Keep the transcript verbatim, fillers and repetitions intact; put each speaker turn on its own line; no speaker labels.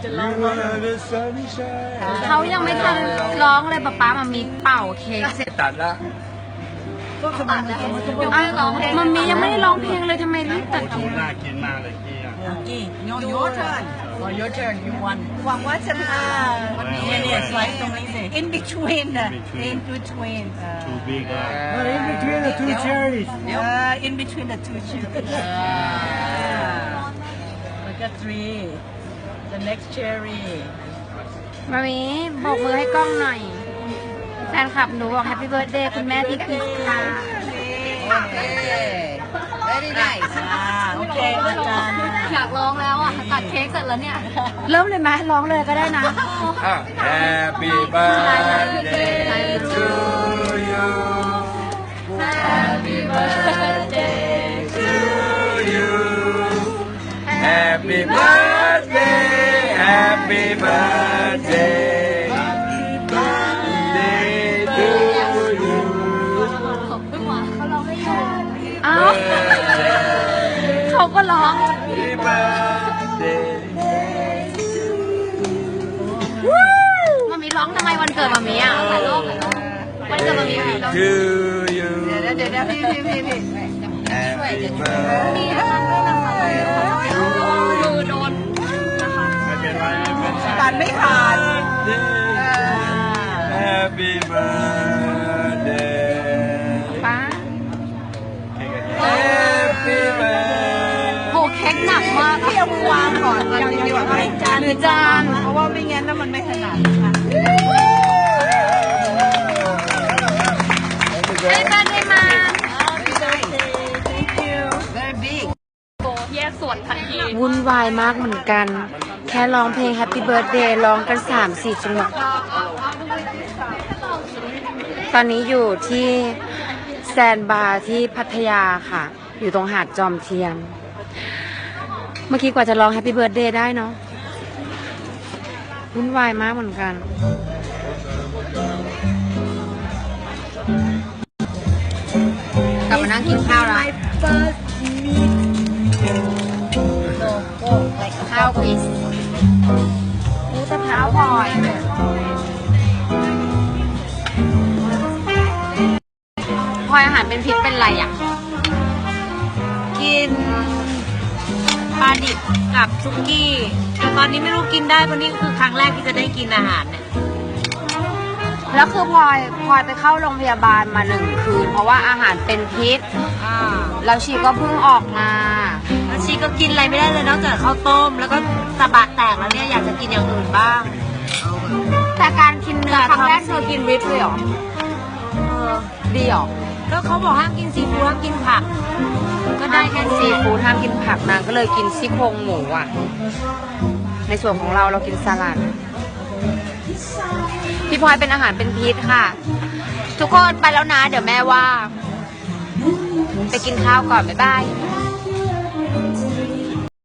จะร้อง
เขายังไม่ทันร้องเลยป๊าป๊ามามีเป่าเค้กเสร็จ
ตัดละ
ตัดแล้วมันมียังไม่ได้ร้องเพลงเลยทำไมรีบตัดเค้ก
น่ากินมากเลยกี้อ่ะ
กี่โยโย่เทิร์นโยโย่เทิร์นยูวันหวังว่าจะมาวันนี้เนี่ยสไลด์ตรงนี้สิ in between นะ in between
too big อ่ะ
But in between the two cherries.
เดี๋ยว in between the two cherries แล้วก็ three the next cherry
มามีบอกมือให้กล้องหน่อยแฟนคลับหนูบอกแฮปปี้เบิร์ดเดย์คุณแม่ที่คริสค่ะ
very nice โอเคอาจารย์
อยากร้องแล้วอ่ะตัดเค้กเสร็จแล้วเนี่ย เริ่มเลยไหมร้องเลยก็ได้นะ
อ่ะ Happy birthday to you
Happy birthday
to you Happy birthday Happy birthday Happy birthday to you
เอ้าเขาก็ร้อง
Happy birthday
มามีร้องทำไมวันเกิดมามีอ่ะถ่ายรูปวันเกิดมามีร้อง
to you
เดี๋ยวเดี๋ยวเดี๋ยวพี่พี่พี่พี่
Happy birthday
มือโดน
ไม่เป็นไรไม่เป็นไร
ตัดไม่ขาด
Happy birthday
ป้า
Happy birthday
โหเค้กหนักมาก
พี่เอามือวางก่อนกันดีกว่าไม่จาน
หรือจาน
เพราะว่าไม่งั้นน่ะมันไม่ถนัดค่ะ
ได้มาได้มา
Thank you very big
แยกส่วนทันทีวุ่นวายมากเหมือนกัน แค่ร้องเพลง Happy Birthday ร้องกัน สามสี่ จังหวะตอนนี้อยู่ที่แซนบาร์ที่พัทยาค่ะ อยู่ตรงหาดจอมเทียม เมื่อกี้กว่าจะร้อง Happy Birthday ได้เนาะวุ่นวายมากเหมือนกัน กลับมานั่งกินข้าวแล้ว ข้าวคริสมูสะพร้าวพลอยพลอยอาหารเป็นพิษเป็นไรอ่ะ
กินปลาดิบกับซุกี้แต่ตอนนี้ไม่รู้กินได้เพราะนี่คือครั้งแรกที่จะได้กินอาหารเนี่ย
แล้วคือพลอยพลอยไปเข้าโรงพยาบาลมาหนึ่งคืน เพราะว่าอาหารเป็นพิษ
อ่า
แล้วชีก็เพิ่งออกมา
แล้วชีก็กินอะไรไม่ได้เลยนอกจากข้าวต้ม แล้วก็สะบัดแตกแล้วเนี่ยอยากจะกินอย่างอื่นบ้าง
แต่การกินเนื้อครั้งแรกเธอกินวิปเลยเหรอ
เออ
ดีเหรอ
ก็เขาบอกห้ามกินซีฟู้ดห้ามกินผัก ก็ได้แค่
ซี
ซี
ฟู้ดห้ามกินผักนางก็เลยกินซี่โครงหมูอ่ะ ในส่วนของเราเรากินสลัด พี่พลอยเป็นอาหารเป็นพิษค่ะ ทุกคนไปแล้วนะ เดี๋ยวแม่ว่า ไปกินข้าวก่อน บ๊ายบาย